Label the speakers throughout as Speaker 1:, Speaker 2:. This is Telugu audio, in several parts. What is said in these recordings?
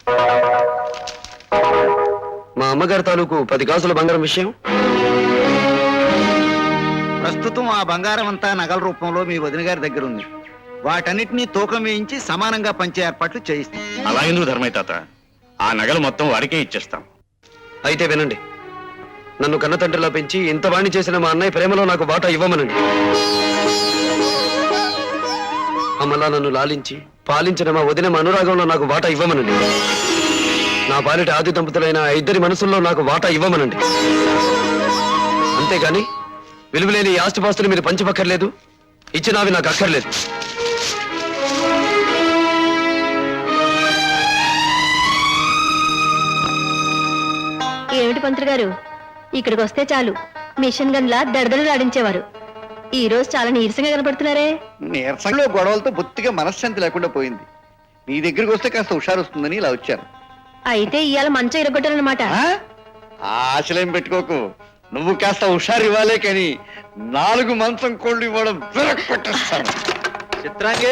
Speaker 1: మా అమ్మగారి తాలూకు 10 గాజుల బంగారం విషయం.
Speaker 2: ప్రస్తుతం ఆ బంగారం అంతా నగల రూపంలో మీ వదిన గారి దగ్గర ఉంది. వాటన్నిటినీ తూకం వేయించి సమానంగా పంచే ఏర్పాట్లు చేయిస్తాం.
Speaker 3: అలా ఎందుకు ధర్మయ్య తాత? ఆ నగలు మొత్తం వాడికే ఇచ్చేస్తాం.
Speaker 1: అయితే వినండి, నన్ను కన్న తండ్రిలా పెంచి ఇంత వాణి చేసిన మా అన్నయ్య ప్రేమలో నాకు వాటా ఇవ్వమనండి. అమ్మలా నన్ను లాలించి పాలించిన మా వదిన మా అనురాగంలో నాకు వాటా ఇవ్వమనండి. నా పాలిట ఆది దంపతులైన ఆ ఇద్దరి మనసుల్లో నాకు వాటా ఇవ్వమనండి. అంతేగాని విలువలేని ఈ ఆస్తిపాస్తులు మీరు పంచపక్కర్లేదు, ఇచ్చినవి నాకు అక్కర్లేదు.
Speaker 4: ఏమిటి పంతులు గారు, ఇక్కడికి వస్తే చాలు మిషన్ గన్లా దడదడలాడించేవారు. ఈ రోజు చాలా నీరసంగా కనపడుతున్నారే.
Speaker 2: నీరసంలో గొడవలతో బొత్తిగా మనశ్శాంతి లేకుండా పోయింది. నీ దగ్గరికి వస్తే కాస్త హుషారు వస్తుందని ఇలా వచ్చాను.
Speaker 4: అయితే ఇవాళ మంచం ఇరగొట్టాలన్నమాట.
Speaker 2: ఆశలేం పెట్టుకోకు, నువ్వు కాస్త హుషారు ఇవ్వాలే కానీ 4 మంచం కోళ్ళు ఇవ్వడం విరక్కొట్టేస్తాను. చిత్రాంగే,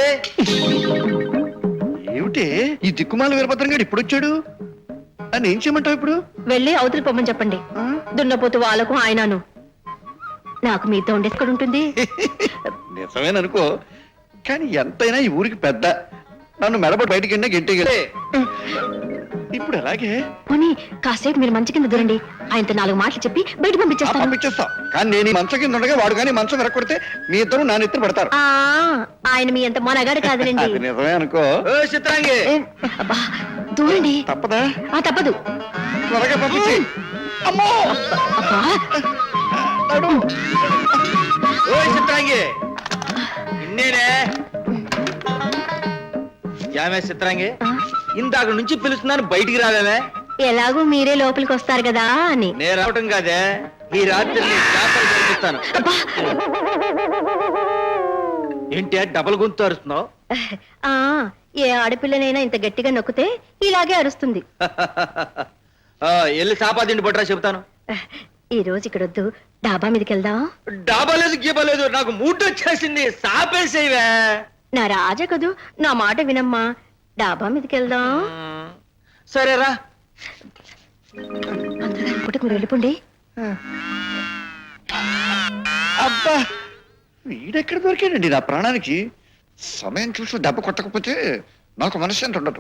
Speaker 2: ఏమిటి ఈ దిక్కుమాల వీరభద్రం గారు ఇప్పుడు వచ్చాడు? అని ఏం చేయమంటావు ఇప్పుడు?
Speaker 4: వెళ్ళి అవతలి పొమ్మని చెప్పండి. దున్నపోతు వాళ్ళకు ఆయనను. నాకు మీతో ఉండే ఎక్కడ ఉంటుంది?
Speaker 2: నిజమేననుకో, కానీ ఎంతైనా ఈ ఊరికి పెద్ద. నన్ను మెడపడి బయటికి వెళ్ళినా గెంటే ఇప్పుడు అలాగే
Speaker 4: పోనీ కాసేపు మీరు మంచి కింద దూరండి. ఆయనతో 4 మాటలు చెప్పి బయట పంపించేస్తాను.
Speaker 2: పంపించేస్తాం, కానీ నేను ఈ మంచం కింద ఉండగా వాడు కానీ మంచం విరక్కొడితే మీ ఇద్దరు నా నెత్తిన పడతారు.
Speaker 4: ఆయన మీ అంత మొనగాడు కాదులేండి.
Speaker 2: అది నిజమే అనుకో. చిత్రాంగి,
Speaker 4: అబ్బా దూరండి.
Speaker 2: తప్పదా?
Speaker 4: తప్పదు.
Speaker 2: త్వరగా పంపించి. అమ్మో చిత్రాంగి, ఇన్నేనే యామే చిత్రాంగి, ఇందాక నుంచి పిలుస్తున్నాను, బయటికి రావేమే?
Speaker 4: ఎలాగూ మీరే లోపలికి వస్తారు కదా అని.
Speaker 2: నేను రావటం కాదే, ఈ రాత్రి జరిపిస్తాను. ఏంటి డబల్ గొంతు అరుస్తున్నావు?
Speaker 4: ఏ ఆడపిల్లనైనా ఇంత గట్టిగా నొక్కితే ఇలాగే అరుస్తుంది.
Speaker 2: వెళ్ళి సాపాదిండి పట్టరా చెబుతాను.
Speaker 4: ఈ రోజు ఇక్కడ వద్దు, డాబా మీదకి వెళ్దాం.
Speaker 2: డాబా లేదు గీబలేదు, నాకు మూడ్ వచ్చేసింది. సాపేసేవే.
Speaker 4: నా రాజా కదూ, నా మాట వినమ్మా. డాబా మీదకి వెళ్దాం.
Speaker 2: సరేరా.
Speaker 4: అందరూ పూటకు మీరు వెళ్ళిపోండి.
Speaker 2: అబ్బా, వీడెక్కడ దొరికాడండి నా ప్రాణానికి? సమయం చూసి దెబ్బ కొట్టకపోతే నాకు మనశ్శాంతి ఉండదు.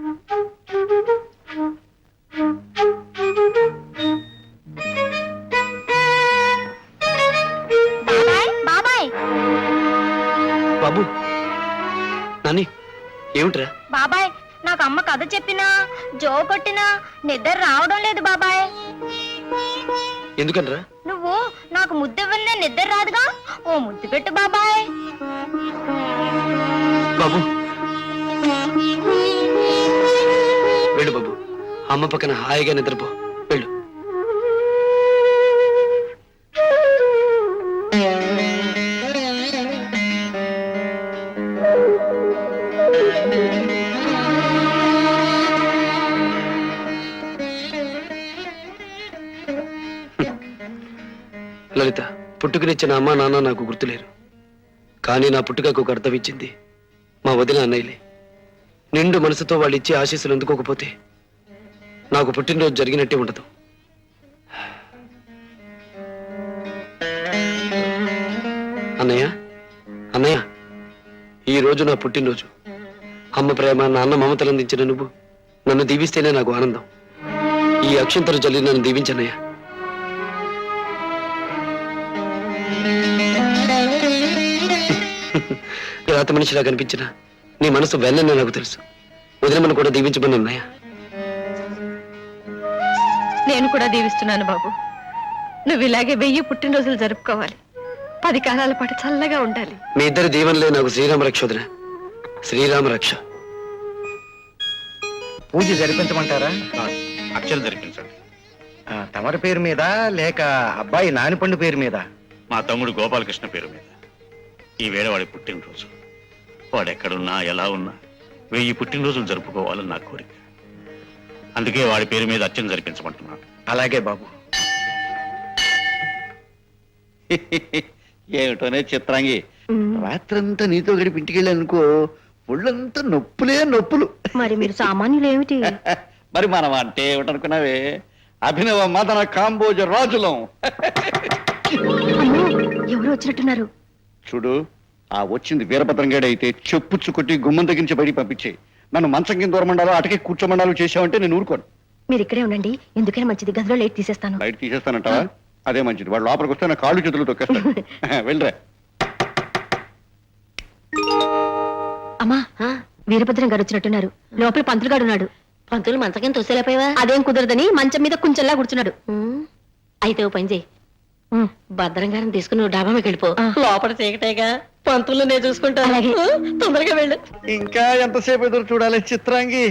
Speaker 1: బాబు, నాని, ఏమిట్రా?
Speaker 4: బాబాయ్, నాకు అమ్మ కథ చెప్పినా జో కొట్టినా నిద్ర రావడం లేదు బాబాయ్.
Speaker 1: ఎందుకనరా?
Speaker 4: నువ్వు నాకు ముద్దెవ్వలే నిద్ర రాదుగా, ఓ ముద్దు పెట్టు బాబాయ్.
Speaker 1: బాబు వెళ్ళు బాబు, అమ్మ పక్కన హాయిగా నిద్రపో. వెళ్ళు. లలిత, పుట్టుకనిచ్చిన అమ్మ నాన్న నాకు గుర్తులేరు, కానీ నా పుట్టుకకు ఒక అర్థం ఇచ్చింది మా వదిన అన్నయ్యలే. నిండు మనసుతో వాళ్ళు ఇచ్చే ఆశీస్సులు అందుకోకపోతే నాకు పుట్టినరోజు జరిగినట్టే ఉండదు. అన్నయ్య, అన్నయ్య, ఈ రోజు నా పుట్టినరోజు. అమ్మ ప్రేమ, నాన్న మమతలు అందించిన నువ్వు నన్ను దీవిస్తేనే నాకు ఆనందం. ఈ అక్షంతలు జల్లి నన్ను దీవించన్నయ్య. రాత మనిషిలా కనిపించిన నీ మనసు వెళ్ళని నాకు తెలుసు. వదినమ్మను కూడా దీవించమని అన్నయ్య.
Speaker 4: నేను కూడా దీవిస్తున్నాను బాబు. నువ్వు ఇలాగే 1000 పుట్టినరోజులు జరుపుకోవాలి. 10 కాలాల పాటు చల్లగా ఉండాలి.
Speaker 1: మీ ఇద్దరి దీవెనలే నాకు శ్రీరామ రక్ష వదిన. శ్రీరామ రక్ష.
Speaker 2: పూజ జరిపించమంటారా?
Speaker 3: అక్షలు జరిపించండి.
Speaker 2: తమరి పేరు మీద లేక అబ్బాయి నానిపండు పేరు మీద?
Speaker 3: మా తమ్ముడు గోపాలకృష్ణ పేరు మీద. ఈ వేళ వాడి పుట్టినరోజు. వాడెక్కడున్నా ఎలా ఉన్నా 1000 పుట్టినరోజులు జరుపుకోవాలని నా కోరిక. అందుకే వాడి పేరు మీద అర్చన జరిపించమంటున్నాను.
Speaker 2: అలాగే బాబు. ఏమిటోనే చిత్రాంగి, రాత్రంతా నీతో గడిపి ఇంటికి వెళ్ళానుకో, ఒళ్ళంతా నొప్పులే నొప్పులు.
Speaker 4: మరి మీరు సామాన్యులు ఏమిటి?
Speaker 2: మరి మనం అంటే ఏమిటనుకున్నావే, అభినవ మదన కాంబోజ రాజులం.
Speaker 4: అమ్మో, ఎవరు వచ్చినట్టున్నారు?
Speaker 2: చూడు, ఆ వచ్చింది వీరభద్రంగాడు అయితే చెప్పుచ్చు కొట్టి గుమ్మం దగ్గర నుంచి బయటికి పంపించే. నన్ను మంచం కింద దూరమండాలో అటకే కూర్చోమండాలో చేసావంటే నేను ఊరుకోను.
Speaker 4: మీరు ఇక్కడే ఉండండి, ఎందుకైనా మంచిది. గదిలో లేట్ తీసేస్తాను.
Speaker 2: బయట తీసేస్తానంటావా? అదే మంచిది. వాడు లోపలికి వస్తే నా కాళ్ళు చేతులు తొక్కేస్తాను. వెళ్ళరా.
Speaker 4: అమ్మా, వీరభద్రం గారు వచ్చినట్టున్నారు. లోపల పంతులు గారు ఉన్నాడు.
Speaker 5: పంతులు మంచకేం తోసేలేపోయావా?
Speaker 4: అదేం కుదరదని మంచం మీద కుంచెల్లా కూర్చున్నాడు.
Speaker 5: అయితే ఓ పని చేయి, భద్రం గారిని తీసుకుని నువ్వు డాబా మీకు వెళ్ళిపో.
Speaker 4: ఆ.
Speaker 5: లోపల చీకటేగా, పంతులు నేను చూసుకుంటాను.
Speaker 4: అలాగే.
Speaker 5: తొందరగా వెళ్ళు.
Speaker 2: ఇంకా ఎంతసేపు ఎదురు చూడాలి చిత్రాంగి?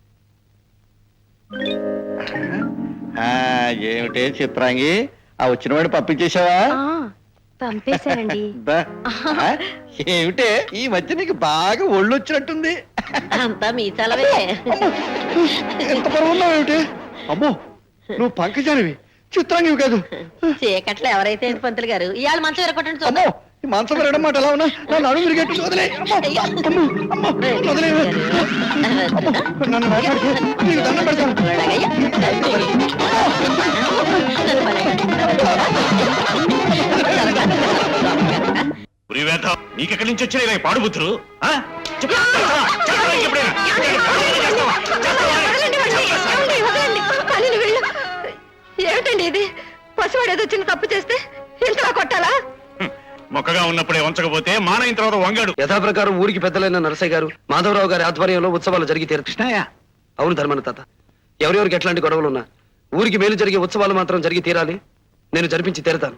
Speaker 2: ఏమిటే చిత్రాంగి, ఆ వచ్చిన వాడు పంపించేశావా?
Speaker 4: పంపేశానండి.
Speaker 2: బా. ఏమిటే ఈ మధ్య నీకు బాగా ఒళ్ళు వచ్చినట్టుంది.
Speaker 5: అంతా మీ చలవే.
Speaker 2: ఎంత బరువు ఉన్నావు ఏమిటి? అమ్మో, నువ్వు పంకజానివి, చిత్రాంగివి కాదు.
Speaker 5: చీకట్లో ఎవరైతే ఏంటి పంతులు గారు, ఇవాళ మంచం ఎరగొట్టండి
Speaker 2: అమ్మో,
Speaker 5: చూద్దాం.
Speaker 2: ఈ మాంసం పెరగడం మాట ఎలా ఉన్నా నన్ను అడుగు విరిగేట్టు వదిలే. నన్ను మాట్లాడుకో, నీకు దండం పెడతాను.
Speaker 3: ఉరివేత నీకెక్కడి నుంచి వచ్చిన ఇలా పాడుబుద్ధులు?
Speaker 4: ఏమిటండి ఇది? పసివాడు ఏదో చిన్న తప్పు చేస్తే ఇంతలా కొట్టాలా?
Speaker 3: మొక్కగా ఉన్నప్పుడే వంచకపోతే మానైన తర్వాత వంగాడు.
Speaker 1: యథాప్రకారం ఊరికి పెద్దలైన నరసయ్య గారు, మాధవరావు గారి ఆధ్వర్యంలో ఉత్సవాలు జరిగి తీరు.
Speaker 2: కృష్ణయ్య,
Speaker 1: అవును ధర్మన తాత, ఎవరెవరికి ఎట్లాంటి గొడవలున్నా ఊరికి మేలు జరిగే ఉత్సవాలు మాత్రం జరిగి తీరాలి. నేను జరిపించి తీరతాను.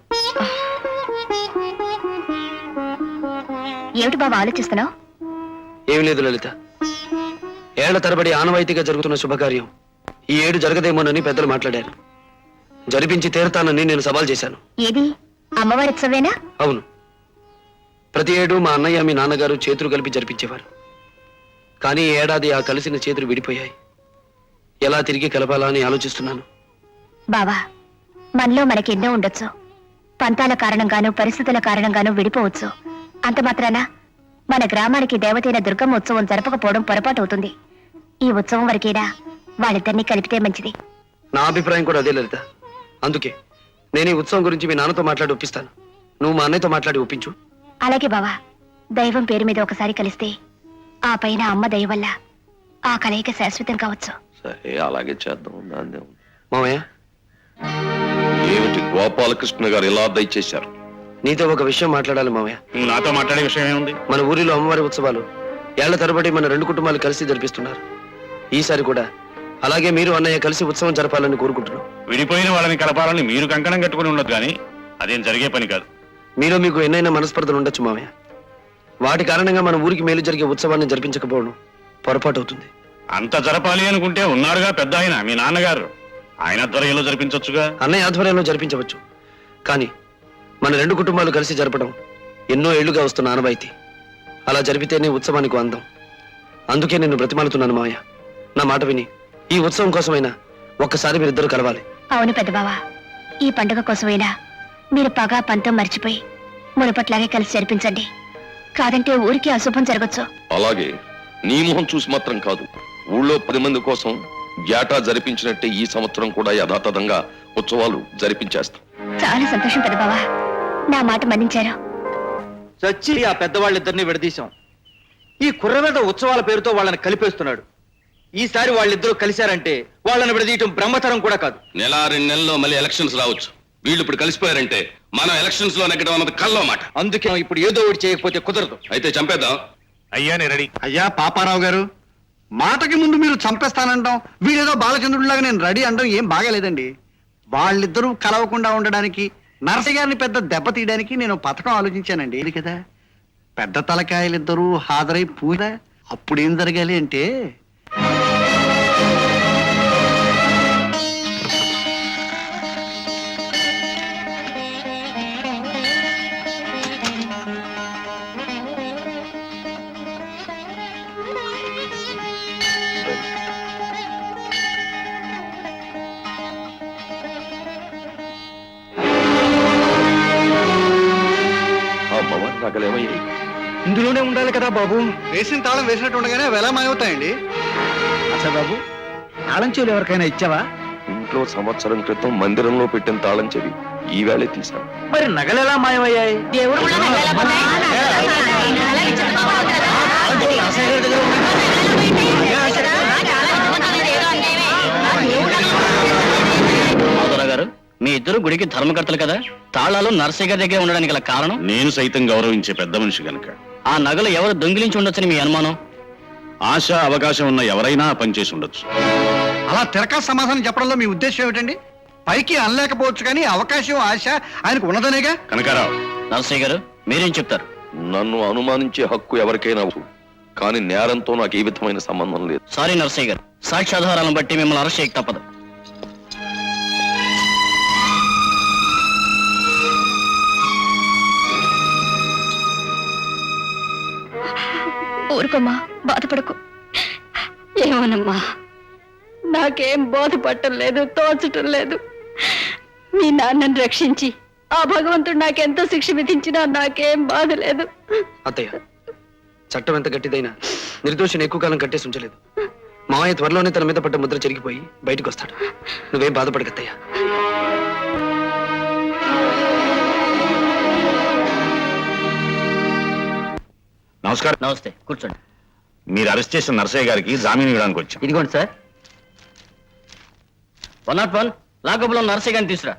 Speaker 4: ఏమిటి బాబా ఆలోచిస్తున్నావు?
Speaker 1: ఏమి లేదు లలిత, ఏళ్ల తరబడి ఆనవాయితీగా జరుగుతున్న శుభకార్యం ఈ ఏడు జరగదేమోనని పెద్దలు మాట్లాడారు. జరిపించి తీరతానని నేను సవాల్ చేశాను.
Speaker 4: ఏది, అమ్మవారి ఉత్సవేనా?
Speaker 1: అవును, ప్రతి ఏడు మా అన్నయ్య మీ నాన్నగారు చేతులు కలిపి జరిపించేవారు. కానీ ఈ ఏడాది ఆ కలిసిన చేతులు విడిపోయాయి. ఎలా తిరిగి కలపాలా అని ఆలోచిస్తున్నాను.
Speaker 6: బావా, మనలో మనకెన్నో ఉండొచ్చు. పంతాల కారణంగానూ పరిస్థితుల కారణంగానూ విడిపోవచ్చు. అంత మాత్రాన మన గ్రామానికి దేవతైన దుర్గమ్మ ఉత్సవం జరపకపోవడం పొరపాటు అవుతుంది. ఈ ఉత్సవం వరకేనా వాళ్ళిద్దరినీ కలిపితే మంచిది.
Speaker 1: నా అభిప్రాయం కూడా అదే లలిత. అందుకే నేను ఈ ఉత్సవం గురించి మీ నాన్నతో మాట్లాడి ఒప్పిస్తాను. నువ్వు మా అన్నయ్యతో మాట్లాడి ఒప్పించు.
Speaker 6: అలాగే బావా, దైవం పేరు మీద ఒకసారి కలిస్తే ఆ పైన అమ్మ దయ వల్ల ఆ కలయిక శాశ్వతం కావచ్చు.
Speaker 7: సరే, అలాగే చేద్దాం. దాన్నే ఉంది.
Speaker 1: మామయ్య,
Speaker 7: ఏమిటి గోపాలకృష్ణ గారు ఇలా దయచేశారు?
Speaker 1: నీతో ఒక విషయం మాట్లాడాలి మామయ్య.
Speaker 3: నువ్వు నాతో మాట్లాడే విషయం ఏముంది?
Speaker 1: మన ఊరిలో అమ్మవారి ఉత్సవాలు ఏళ్ల తరబడి మన రెండు కుటుంబాలు కలిసి జరిపిస్తున్నారు. ఈసారి కూడా అలాగే మీరు అన్నయ్య కలిసి ఉత్సవం జరపాలని కోరుకుంటున్నాం.
Speaker 3: విడిపోయిన వాళ్ళని కలపాలని మీరు కంకణం కట్టుకుని ఉండదు, కానీ అదేం జరిగే పని కాదు.
Speaker 1: మీలో మీకు ఎన్నైనా మనస్పర్ధలు ఉండొచ్చు మామయ్య. వాటి కారణంగా మన ఊరికి మేలు జరిగే ఉత్సవాన్ని జరిపించకపోవడం పొరపాటు అవుతుంది.
Speaker 3: అంత జరపాలి అనుకుంటే ఉన్నారుగా పెద్ద ఆయన, మీ నాన్నగారు. ఆయన ఆధ్వర్యంలో జరిపించొచ్చుగా.
Speaker 1: అన్నయ్య ఆధ్వర్యంలో జరిపించవచ్చు, కానీ మన రెండు కుటుంబాలు కలిసి జరపడం ఎన్నో ఏళ్లుగా వస్తున్న ఆనవాయితీ. అలా జరిపితేనే ఉత్సవానికి అందం. అందుకే నేను బ్రతిమాలుతున్నాను మామయ్య, నా మాట విని ఈ ఉత్సవం కోసమైనా ఒక్కసారి మీరిద్దరు కలవాలి.
Speaker 6: అవును పెద్ద బావా, ఈ పండుగ కోసమైనా మీరు పగా పంతం మర్చిపోయి మునుపట్లాగే కలిసి జరిపించండి. కాదంటే ఊరికి అశుభం జరగచ్చు.
Speaker 7: అలాగే నీ మొహం చూసి మాత్రం కాదు, ఊళ్ళో 10 మంది కోసం జాటా జరిపించినట్టే ఈ సంవత్సరం కూడా యథాతథంగా ఉత్సవాలు జరిపించేస్తాం.
Speaker 6: చాలా సంతోషం పెద్ద బావా, నా మాట మన్నించారు.
Speaker 2: చచ్చి ఆ పెద్దవాళ్ళిద్దరిని విడదీశాం. ఈ కుర్రవేద ఉత్సవాల పేరుతో వాళ్ళని కలిపేస్తున్నాడు. ఈసారి వాళ్ళిద్దరూ కలిశారంటే వాళ్ళని విడదీయటం బ్రహ్మతరం కూడా కాదు.
Speaker 7: 1-2 నెలల్లో మళ్ళీ ఎలక్షన్స్ రావచ్చు. వీళ్ళు ఇప్పుడు కలిసిపోయారంటే మనం ఎలక్షన్స్ లో నెగ్గడం అన్నది కల్లో మాట.
Speaker 2: అందుకే ఇప్పుడు ఏదో ఒకటి చేయకపోతే కుదరదు.
Speaker 7: అయితే చంపేద్దాం.
Speaker 3: అయ్యా నేను రెడీ.
Speaker 2: అయ్యా పాపారావు గారు, మాటకి ముందు మీరు చంపేస్తానంటాం, వీడేదో బాలచంద్రుడిలాగా నేను రెడీ అనడం ఏం బాగాలేదండి. వాళ్ళిద్దరూ కలవకుండా ఉండడానికి, నరసయ్య గారిని పెద్ద దెబ్బ తీయడానికి నేను పథకం ఆలోచించానండి. ఇది కదా, పెద్ద తలకాయలిద్దరూ హాజరై పూజ. అప్పుడేం జరగాలి అంటే,
Speaker 7: అమ్మవారి నగలేమయ్యాయి?
Speaker 8: ఇందులోనే ఉండాలి కదా బాబు.
Speaker 2: వేసిన తాళం వేసినట్టు ఉండగానే అవి ఎలా మాయవుతాయండి?
Speaker 8: అసలు బాబు, తాళం చెవులు ఎవరికైనా ఇచ్చావా?
Speaker 7: ఇంట్లో సంవత్సరం క్రితం మందిరంలో పెట్టిన తాళం చెవి ఈవేళే తీశాను.
Speaker 8: మరి నగలు ఎలా మాయమయ్యాయి?
Speaker 5: దేవుడు కూడా
Speaker 9: గారు, మీ ఇద్దరు గుడికి ధర్మకర్తలు కదా, తాళాలు నరసయ్య గారి దగ్గర ఉండడానికి గల కారణం?
Speaker 3: నేను సైతం గౌరవించే పెద్ద మనిషి గనక.
Speaker 9: ఆ నగలు ఎవరు దొంగిలించి ఉండొచ్చని మీ అనుమానం?
Speaker 3: ఆశ అవకాశం ఉన్న ఎవరైనా పనిచేసి ఉండొచ్చు.
Speaker 2: అలా తిరకా సమాధానం చెప్పడంలో మీ ఉద్దేశం ఏమిటండి? పైకి అనలేకపోవచ్చు కానీ అవకాశం ఆశ ఆయనకు ఉన్నదనేగా.
Speaker 3: కనకారావు,
Speaker 9: నరసయ్య గారు మీరేం చెప్తారు?
Speaker 7: నన్ను అనుమానించే హక్కు ఎవరికైనా ఉంది. కానీ నేరంతో నాకు ఏ విధమైన సంబంధం లేదు.
Speaker 9: సారీ నరసయ్య గారు, సాక్ష్యాధారాలను బట్టి మిమ్మల్ని అరెస్ట్ చేయక తప్పదు.
Speaker 4: ఊరుకోమ్మా, బాధపడకు.
Speaker 5: ఏమోనమ్మా,
Speaker 4: నాకేం బాధపడటం లేదు, తోచటం లేదు. మీ నాన్నని రక్షించి ఆ భగవంతుడు నాకెంతో శిక్ష విధించినా నాకేం బాధ లేదు.
Speaker 1: అత్తయ్య, చట్టం ఎంత గట్టిదైనా నిర్దోషిని ఎక్కువ కాలం కట్టేసి ఉంచలేదు. మావయ్య త్వరలోనే తన మీద పడ్డ ముద్ర చెరిగిపోయి బయటకు వస్తాడు. నువ్వేం బాధపడకత్తయ్య.
Speaker 3: నమస్కారం.
Speaker 9: నమస్తే, కూర్చోండి.
Speaker 3: మీరు అరెస్ట్ చేసిన నరసయ్య గారికి జామీన్ ఇవ్వడానికి వచ్చాం.
Speaker 9: ఇదిగోండి సార్. 101 లాకప్లో నరసయ్య గారిని తీసురా.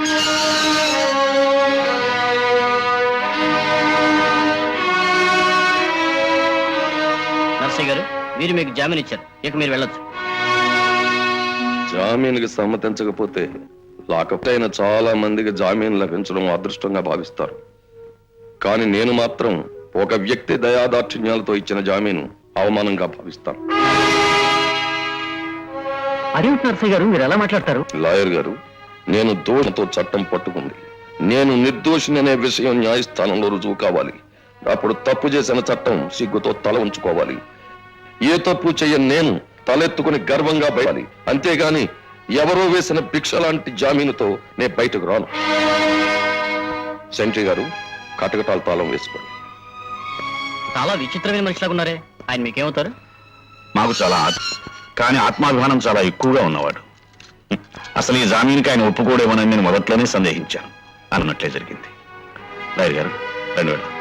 Speaker 9: నరసయ్య గారు, వీరు మీకు జామీన్ ఇచ్చారు, ఇక మీరు వెళ్ళొచ్చు.
Speaker 7: జామీన్కి సమ్మతించకపోతే లాకప్ అయిన చాలా మందికి జామీన్ లభించడం అదృష్టంగా భావిస్తారు. కానీ నేను మాత్రం ఒక వ్యక్తి దయాదాక్షిణ్యాలతో ఇచ్చిన జామీను అవమానంగా భావిస్తాను.
Speaker 9: అదేమిటి నరసయ్య గారు, మీరు ఎలా మాట్లాడతారు?
Speaker 7: లాయర్ గారు, నేను దోషంతో చట్టం పట్టుకుంది. నేను నిర్దోషిని అనే విషయం న్యాయస్థానంలో రుజువు కావాలి. అప్పుడు తప్పు చేసిన చట్టం సిగ్గుతో తల ఉంచుకోవాలి. ఏ తప్పు చెయ్యని నేను తలెత్తుకుని గర్వంగా బయటాలి. అంతేగాని ఎవరో వేసిన భిక్ష లాంటి జామీనుతో నేను బయటకు రాను. సెంట్రీ గారు, కటకటాల తాళం వేసుకోండి.
Speaker 9: చాలా విచిత్రమైన మనిషిలాగా ఉన్నారే, ఆయన మీకేమవుతారు?
Speaker 3: మాకు చాలా కానీ ఆత్మాభిమానం చాలా ఎక్కువగా ఉన్నవాడు. అసలు ఈ జామీన్కి ఆయన ఒప్పుకోడేమోనని నేను మొదట్లోనే సందేహించాను. అన్నట్లే జరిగింది. లాయర్ గారు, రండి వెళ్దాం.